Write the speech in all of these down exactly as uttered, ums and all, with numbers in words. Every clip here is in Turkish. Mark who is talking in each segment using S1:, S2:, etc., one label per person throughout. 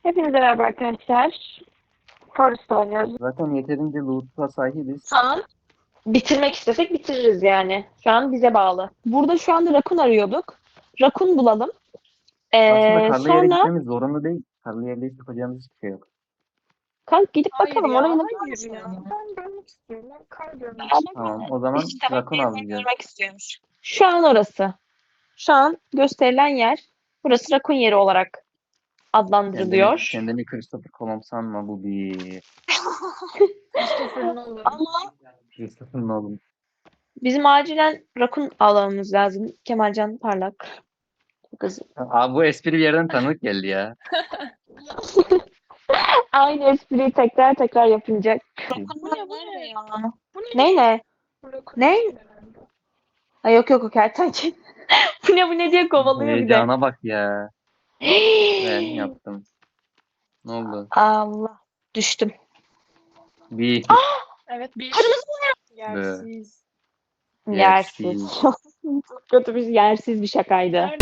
S1: Hepinize merhaba arkadaşlar. Forest oynuyoruz.
S2: Zaten yeterince loot'a sahibiz.
S1: Şu an bitirmek istesek bitiririz yani. Şu an bize bağlı. Burada şu anda rakun arıyorduk. Rakun bulalım.
S2: Aslında
S1: Ee,
S2: karlı yere
S1: sonra
S2: gitmemiz zorunlu değil. Karlı yerde hiç yapacağımız hiçbir şey yok.
S1: kalk gidip
S3: Hayır
S1: bakalım.
S3: ya,
S1: Orayı ne
S3: hayır ya. Ben görmek istiyorum. Ben kar görmek
S1: Beraber
S3: istiyorum.
S2: Tamam, o zaman
S1: işte bak
S2: rakun
S1: gezmeyi
S2: avlayacağız.
S1: görmek istiyormuş. Şu an orası. Şu an gösterilen yer. Burası rakun yeri olarak
S2: Kendini,
S1: adlandırılıyor.
S2: kendini Christopher Columb sanma, bu bir
S3: Christopher Nolan.
S1: Ama
S2: Christopher Nolan.
S1: bizim acilen rakun avlamamız lazım. Kemalcan Parlak. Çok hızlı.
S2: Abi bu espri bir yerden tanıdık geldi ya.
S1: Aynı espriyi tekrar tekrar yapınca.
S3: Bu ne bu ne? Bu ne?
S1: Ne ne?
S3: Bırakın
S1: Ne?
S3: herhalde.
S1: Ay yok yok o kertenkele. Bu ne bu ne diye kovalıyor bir de.
S2: Heyecana bak ya. Ben yaptım. Ne oldu?
S1: Allah. Düştüm.
S2: Bir
S3: Evet bir.
S1: Kırmızı
S3: Yersiz.
S1: yersiz.
S2: yersiz.
S1: Çok kötü bir yersiz bir şakaydı.
S3: Nerede?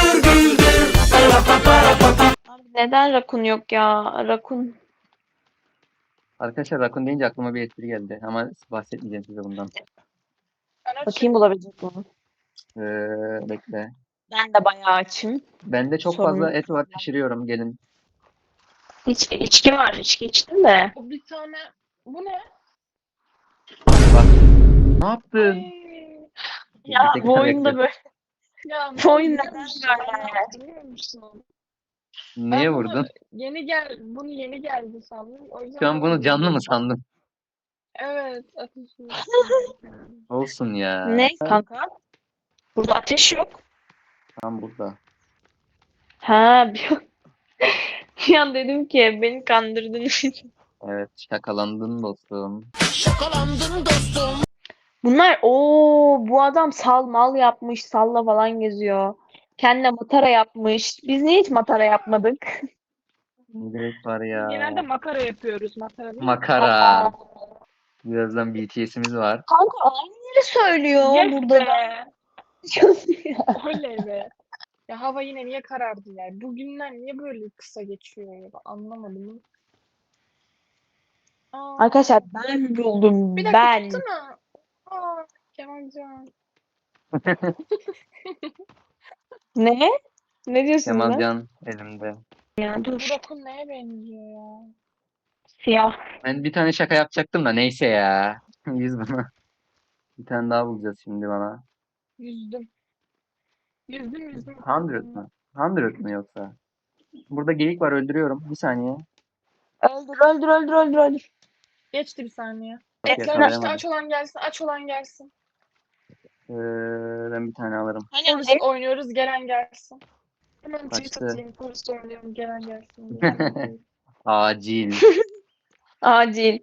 S1: Abi neden rakun yok ya? Rakun.
S2: Arkadaşlar rakun deyince aklıma bir espri geldi ama bahsetmeyeceğim size bundan.
S3: Ben açım.
S1: Bakayım bulabilecek miyim?
S2: Ee, bekle.
S1: Ben de bayağı açım.
S2: Bende çok
S1: Sorun
S2: fazla
S1: yok.
S2: et var, pişiriyorum, gelin.
S1: Hiç içki var. İçki içtim de.
S3: O bir tane. Bu ne?
S2: Bak. Ne yaptın?
S3: Ay.
S1: Ya
S2: Bir
S1: bu
S2: dakika
S1: oyunda
S2: bekle.
S1: böyle.
S3: Ya
S1: Bu oyun
S3: biliyor
S1: neden
S3: musun? Ben
S1: böyle?
S3: ne yaptım biliyor musun?
S2: Niye
S3: Ben bunu
S2: vurdun?
S3: yeni gel bunu yeni geldi sandım. O yüzden
S2: Şu an bunu
S3: böyle
S2: canlı mı
S3: vurdum.
S2: sandın?
S3: Evet, ateşi.
S2: Olsun ya.
S1: Ne kanka? Burada ateş yok.
S2: Tam burada.
S1: Ha bir, bir an dedim ki beni kandırdınız.
S2: Evet, şakalandın dostum.
S1: Bunlar o bu adam sal mal yapmış, salla falan geziyor. Kendine matara yapmış. Biz niye hiç matara yapmadık?
S2: Ne gerek var
S3: Biz genelde
S2: ya.
S3: makara yapıyoruz. Makara değil mi?
S2: Makara. Birazdan B T S'imiz var.
S1: Kanka aynı yeri söylüyor
S3: Yes
S1: burada da.
S3: be. Oley be. Ya hava yine niye karardı ya? Bu günler niye böyle kısa geçiyor ya? Anlamadım. Aa,
S1: Arkadaşlar ben buldum
S3: bir dakika
S1: ben.
S3: tutsana. Aa, Kemalcan.
S1: Ne? Ne diyorsunuz lan?
S2: Kemalcan elimde.
S1: Ya
S3: Bu
S1: dur.
S3: rakun neye benziyor ya?
S1: Siyah.
S2: Ben bir tane şaka yapacaktım da neyse ya. Yüz buna. Bir tane daha bulacağız şimdi bana.
S3: Yüzdüm. Yüzdüm yüzdüm.
S2: Hundred mı? Hundred mı yoksa? Burada geyik var, öldürüyorum. Bir saniye.
S1: Öldür öldür öldür öldür öldür.
S3: Geçti bir saniye.
S2: Bak,
S3: Etler işte
S2: yakalayamadım.
S3: aç olan gelsin, aç olan gelsin.
S2: Ee, ben bir tane alırım.
S3: Forest oynuyoruz, gelen gelsin. Hemen tweet
S2: Kaçtı.
S3: atayım, Forest oynuyorum, gelen gelsin diye.
S2: Acil.
S1: Acil.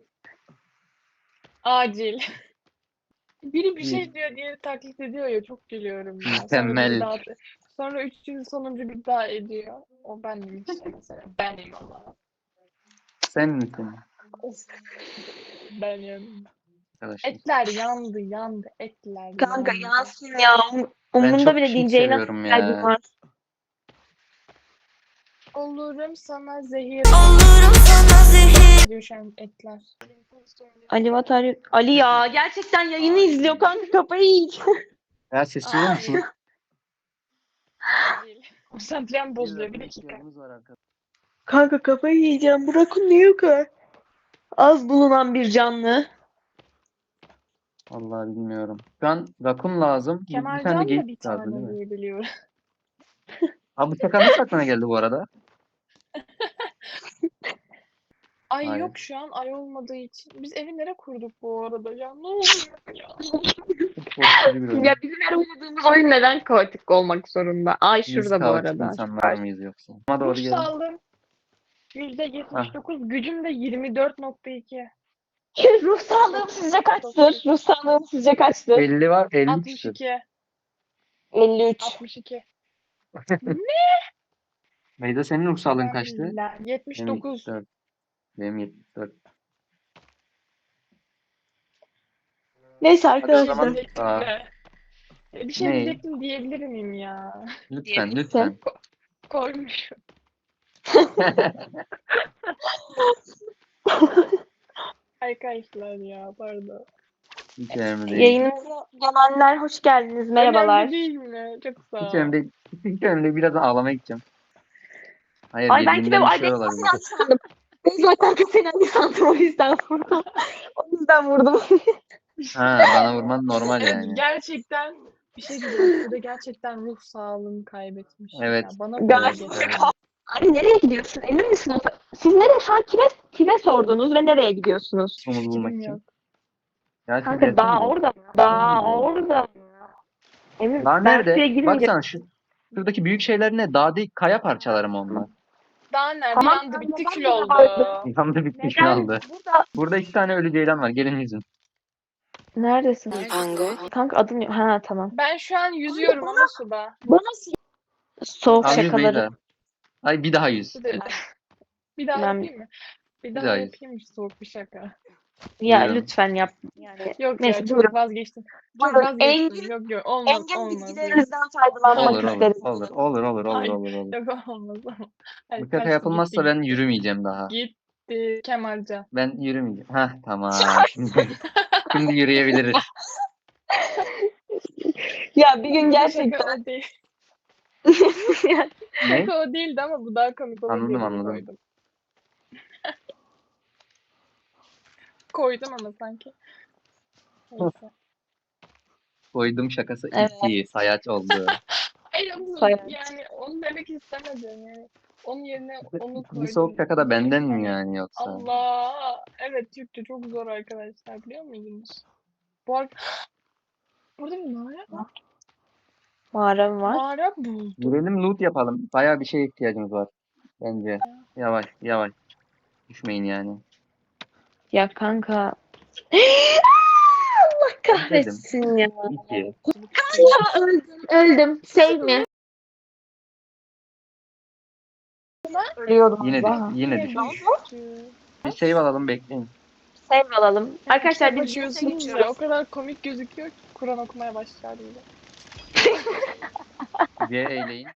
S3: Acil. Biri bir
S2: Bir.
S3: şey diyor, diğeri taklit ediyor ya, çok gülüyorum ya. Sonra
S2: Mükemmel.
S3: biri daha, sonra üçüncü sonuncu bir daha ediyor. O benim işte mesela. Benim Allah.
S2: Sen misin?
S3: Of. Benim.
S2: Arkadaşlar.
S3: Etler yandı, yandı. Etler
S1: Kanka
S3: yandı.
S1: yansın ya. Um-
S2: Ben
S1: Umurumda
S2: çok
S1: bile
S2: pink
S1: diyeceği nasıl
S2: seviyorum
S1: kalbim
S2: ya.
S1: var.
S3: Olurum sana zehir. Olurum sana zehir. Diyor şu an etler.
S1: Ali Vatar Ali ya gerçekten yayını izliyor kanka kafayı yiyeceğim.
S2: Ya sessiz olur musun?
S3: Konsantrem bozuluyor, bir dakika.
S2: İhtiyacımız var arkadaşlar.
S1: Kanka kafayı yiyeceğim. Bu rakun niye yok ha? Az bulunan bir canlı.
S2: Vallahi bilmiyorum. Şu an rakun lazım. Bir, bir tane de
S3: Kemalcan da bir
S2: geyik lazım değil
S3: tane
S2: mi?
S3: diye biliyorum.
S2: Abi bu şaka nasıl aklına geldi bu arada?
S3: Ay
S2: Hayır.
S3: yok şu an ay olmadığı için. Biz evi nereye kurduk bu arada ya? Ne oluyor ya?
S2: Çok korkutucu bir oyun.
S1: Ya bizim her oynadığımız oyun neden kaotik olmak zorunda? Ay
S2: Biz
S1: şurada bu
S2: kaotik
S1: arada.
S2: insanlar mıyız yoksa? Ama doğru
S3: Ruh
S2: gelin.
S3: saldım. yüzde yetmiş dokuz. Gücüm de yirmi dört nokta iki.
S1: Ruh sağlığım sizce kaçtır? Ruh sağlığım sizce kaçtır?
S2: elli var, elli
S3: altmış
S2: küsür.
S3: iki.
S1: elli üç.
S3: altmış iki.
S2: Beyza, senin ruh sağlığın kaçtı?
S3: La-
S2: Benim
S3: yetmiş dokuz.
S2: yetmiş dört. Benim yetmiş dört.
S1: Neyse
S2: Hadi o
S1: arkadaşlar.
S2: zaman
S3: Diyecektim
S2: aa,
S3: de. E, Bir şey
S2: ne?
S3: diyecektim diyebilir miyim ya?
S2: Lütfen
S1: Diyebilirsin.
S2: lütfen.
S3: Koymuşum. Arkadaşlar ya pardon.
S2: Hiç önemli değil.
S1: Yayınımıza gelenler hoş geldiniz. Merhabalar.
S3: Önemli değil mi? Çok sağ
S2: Hiç
S3: ol.
S2: önemli değil. Hiç önemli değil. Birazdan ağlamaya gideceğim. Hayır,
S1: Ay belki de
S2: yediğimden bir
S1: ay
S2: şey
S1: ben
S2: olabilir.
S1: Sinan sandım. Ben zaten Sinan sandım o yüzden vurdum. O yüzden vurdum.
S2: Ha, bana vurman normal
S3: Evet
S2: yani.
S3: gerçekten bir şey diyeceğim. Sude gerçekten ruh sağlığını kaybetmiş.
S2: Evet.
S3: Ya. Bana böyle
S1: Galiba.
S3: geliyor.
S1: Ay nereye gidiyorsun? Emin misin? o- Siz nereye şu an kime, kime sordunuz ve nereye gidiyorsunuz?
S2: Umut bulmak
S3: Fikrim
S2: için.
S3: yok.
S2: Ya siz
S1: Kanka daha
S2: gelsenize.
S1: orada mı? Daha
S2: Gelsenize.
S1: orada mı? Emin
S2: Dağ
S1: ben
S2: nerede?
S1: suya girmeyeceğim.
S2: Baksana şu şuradaki büyük şeyler ne? Dağ değil, kaya parçaları mı onlar?
S3: Daha nerede?
S1: Tamam,
S3: Yandı
S1: sen
S3: bitti
S1: neden
S3: kül
S1: burada
S3: oldu.
S1: vardın?
S2: Yandı bitti şu
S1: Neden
S2: anda.
S1: burada?
S2: Burada iki tane ölü ceylan var. Gelin yüzün.
S1: Neredesin?
S4: Pango.
S1: Kanka adın yok. Ha tamam.
S3: Ben şu an yüzüyorum ama suda.
S1: Bana soğuk
S2: Al yüz
S1: şakaları.
S2: Beyza. Ay bir daha yüz.
S3: Sude. Bir daha
S1: Ben-
S3: yapayım mı? Bir daha
S2: daha yüz.
S3: yapayım mı soğuk bir şaka?
S1: Ya
S2: Buyurun.
S1: lütfen yap. Yani
S3: Yok
S1: neyse
S3: ya çok
S1: buyurun.
S3: vazgeçtim. Çok
S1: Buyurun.
S3: vazgeçtim.
S1: Engin-
S3: Yok yok olmaz
S1: Engin
S3: olmaz. Yok.
S1: bilgilerinizden faydalanmak
S2: Olur olur.
S1: isteriz.
S2: Olur olur olur olur
S3: Hayır.
S2: olur olur.
S3: Yok olmaz ama. Hadi
S2: Bu şaka
S3: kaçtı,
S2: yapılmazsa
S3: gitti,
S2: ben
S3: gitti.
S2: yürümeyeceğim daha.
S3: Gitti Kemalcan.
S2: Ben yürümeyeceğim. Hah tamam. Şimdi, şimdi yürüyebiliriz.
S1: Ya bir gün
S3: Bu
S1: gerçekten
S3: Şaka o değil.
S2: Ne?
S3: Şaka o değildi ama bu daha komik olur
S2: Anladım,
S3: diye bunu
S2: anladım.
S3: koydum. Koydum ama sanki. Neyse.
S2: Koydum şakası
S1: Evet.
S2: iki. Sayaç oldu.
S3: Hayır ama
S1: Sayaç.
S3: yani onu demek istemedim yani. Onun yerine onu koydum.
S2: Bu soğuk şaka da benden mi
S3: Hani
S2: yani yoksa?
S3: Allah. Evet Türkçe çok zor arkadaşlar biliyor muydunuz? Bu ar- Burada bir mağara var.
S1: mağaram var.
S3: Mağara buldum.
S2: Girelim loot yapalım. Bayağı bir şeye ihtiyacımız var. Bence. Yavaş yavaş. Düşmeyin yani.
S1: Ya kanka. Allah kahretsin ya.
S2: İki.
S1: Ya öldüm. Öldüm. Save mi? Ölüyordum
S2: Yine
S1: az daha.
S2: düş, yine
S3: Yine
S2: düş.
S3: düştü.
S2: Bir save alalım bekleyin.
S1: Save alalım. Arkadaşlar
S3: Kitap
S1: biz
S3: açıyorsunuz
S1: geçiyoruz.
S3: ya o kadar komik gözüküyor ki Kur'an okumaya başlar gibi.
S2: C eyleyin.